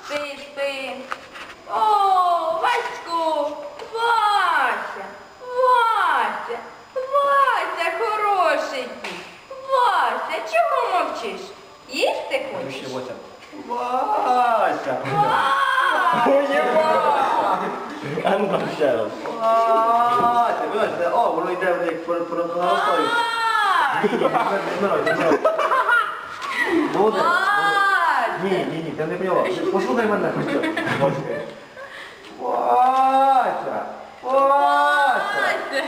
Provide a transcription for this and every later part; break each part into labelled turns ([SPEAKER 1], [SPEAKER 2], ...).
[SPEAKER 1] Спи, спи. О, Васько, Вася, Вася, Вася, хороший кіт. Вася, чого мовчиш? Їсти хочеш?
[SPEAKER 2] Вася!
[SPEAKER 1] Вася!
[SPEAKER 2] Ой, Вася! А ну там ще раз. Вася! Вибачте, о, воно йде як по наростаю.
[SPEAKER 1] Вася!
[SPEAKER 2] Молодець.
[SPEAKER 1] Вася!
[SPEAKER 2] Ні, ти не поняла. Послухай мене хоч. Вася! Вася!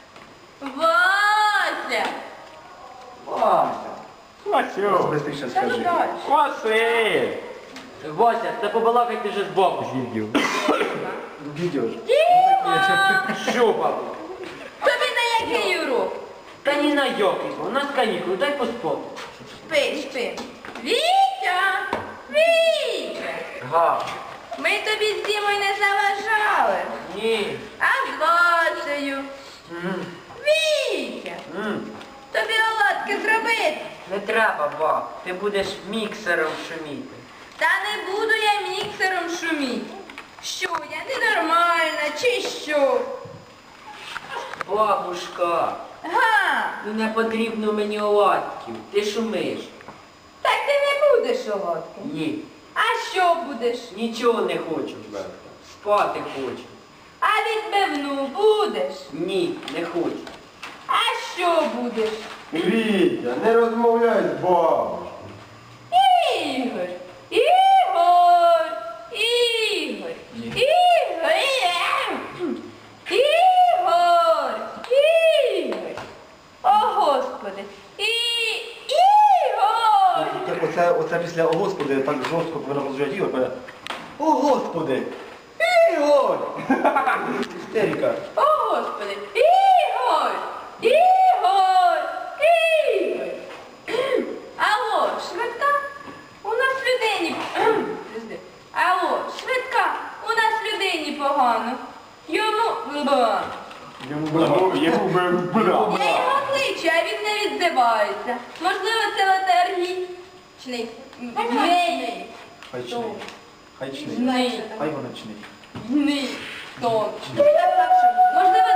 [SPEAKER 1] Вася!
[SPEAKER 2] Вася!
[SPEAKER 3] Васю!
[SPEAKER 2] Быстріше
[SPEAKER 1] Та ну
[SPEAKER 2] скажи.
[SPEAKER 1] далі.
[SPEAKER 3] Василь!
[SPEAKER 4] Вася, та побалакайте вже з бабушкою.
[SPEAKER 2] Відео ж.
[SPEAKER 1] Діма!
[SPEAKER 4] Що, бабу?
[SPEAKER 1] Тобі на який урок?
[SPEAKER 4] Та ні на який, у нас канікули, дай поспати.
[SPEAKER 1] Спи, спи. Вітя! Вітя!
[SPEAKER 4] Га.
[SPEAKER 1] Ми тобі з Дімою не заважали.
[SPEAKER 4] Ні.
[SPEAKER 1] А з Васею? Вітя! Тобі оладки зробити?
[SPEAKER 4] Не треба, баб. Ти будеш міксером шуміти.
[SPEAKER 1] Та не буду я міксером шуміти. Що, я ненормальна, чи що?
[SPEAKER 4] Бабушка,
[SPEAKER 1] Га!
[SPEAKER 4] ну не потрібно мені оладків. Ти шумиш.
[SPEAKER 1] Так ти не будеш оладки.
[SPEAKER 4] Ні.
[SPEAKER 1] А що будеш?
[SPEAKER 4] Нічого не хочу. Спати хочу.
[SPEAKER 1] А відбивну будеш?
[SPEAKER 4] Ні, не хочу.
[SPEAKER 1] А що будеш?
[SPEAKER 2] Вітя, не розмовляй з бабушкою.
[SPEAKER 1] Ігор! Ігор! Ігор! Ігор! Ігор! Ігор! О, Господи! Ігор!
[SPEAKER 2] Оце після «О, Господи» так жорстко повинно розжати Ігор. Каже, «О, Господи! Ігор!» Істерика.
[SPEAKER 1] О, Господи! Ігор! Ігор! Ігор! Алло, швидка? У нас людині... Подожди. Алло, швидка? У нас людині погано. Йому...
[SPEAKER 3] Йому
[SPEAKER 1] Я його кличу, а він не відзивається. Можливо, це летаргічний. Гній.
[SPEAKER 2] Хайчний. Хайчний.
[SPEAKER 1] Гній.
[SPEAKER 2] Хай воночний.
[SPEAKER 1] Гній. Точно. Можливо,